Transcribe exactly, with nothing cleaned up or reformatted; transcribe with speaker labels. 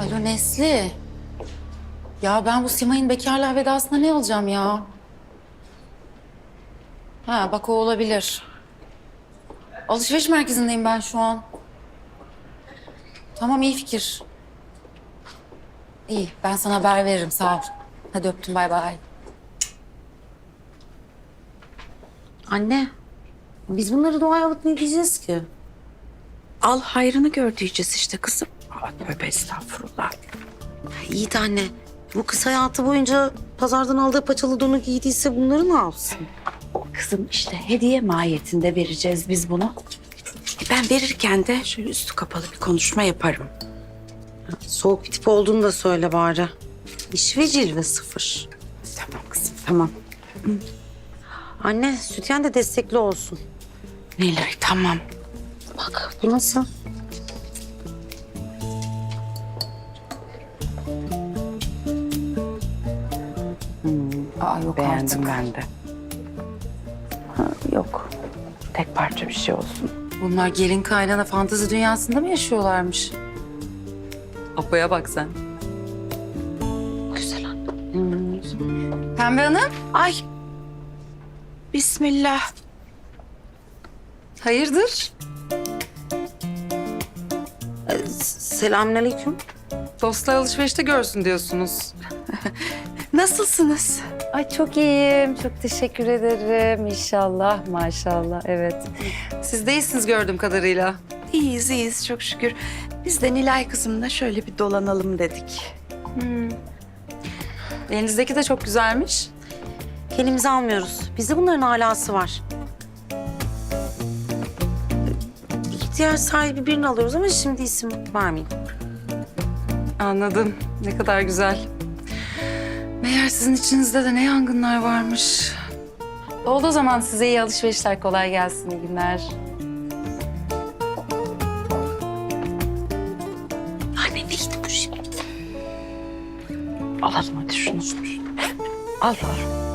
Speaker 1: Alo Nesli. Ya ben bu Simay'ın bekarlığa vedasına ne alacağım ya? Ha bak o olabilir. Alışveriş merkezindeyim ben şu an. Tamam iyi fikir. İyi ben sana haber veririm sağ ol. Hadi öptüm bay bay.
Speaker 2: Anne, biz bunları doğaya alıp ne diyeceğiz ki?
Speaker 3: Al hayrını gör diyeceğiz işte kızım. Aa, tövbe estağfurullah.
Speaker 2: İyi de anne, bu kız hayatı boyunca pazardan aldığı paçalı donu giydiyse bunları ne yapsın?
Speaker 3: Kızım işte hediye mahiyetinde vereceğiz biz bunu. E, Ben verirken de şöyle üstü kapalı bir konuşma yaparım.
Speaker 2: Soğuk bir tip olduğunu da söyle bari. İş ve cilve sıfır.
Speaker 3: Tamam kızım tamam.
Speaker 2: Anne, sütyen de destekli olsun.
Speaker 3: Nilay tamam.
Speaker 2: Bak, bu nasıl?
Speaker 1: Aa yok
Speaker 3: Beğendim
Speaker 1: artık.
Speaker 3: ben de. Ha, yok. Tek parça bir şey olsun.
Speaker 1: Bunlar gelin kaynana fantezi dünyasında mı yaşıyorlarmış? Apo'ya bak sen.
Speaker 2: Güzel anne.
Speaker 1: Pembe Hanım.
Speaker 3: Ay. Bismillah.
Speaker 1: Hayırdır?
Speaker 2: Ee, selamünaleyküm.
Speaker 1: Dostlar alışverişte görsün diyorsunuz.
Speaker 3: Nasılsınız?
Speaker 1: Ay çok iyiyim. Çok teşekkür ederim. İnşallah, maşallah. Evet. Siz de iyisiniz gördüğüm kadarıyla.
Speaker 3: İyiyiz iyiyiz çok şükür. Biz de Nilay kızımla şöyle bir dolanalım dedik.
Speaker 1: Elinizdeki de çok güzelmiş.
Speaker 2: Kendimizi almıyoruz. Bizde bunların alası var. İhtiyaç sahibi birini alıyoruz ama şimdi isim vermeyeyim.
Speaker 1: Anladım. Ne kadar güzel. Meğer sizin içinizde de ne yangınlar varmış. Oldu o zaman size iyi alışverişler. Kolay gelsin. İyi günler.
Speaker 2: Anne neydi bu şimdi?
Speaker 3: Alalım hadi şunu. Al al.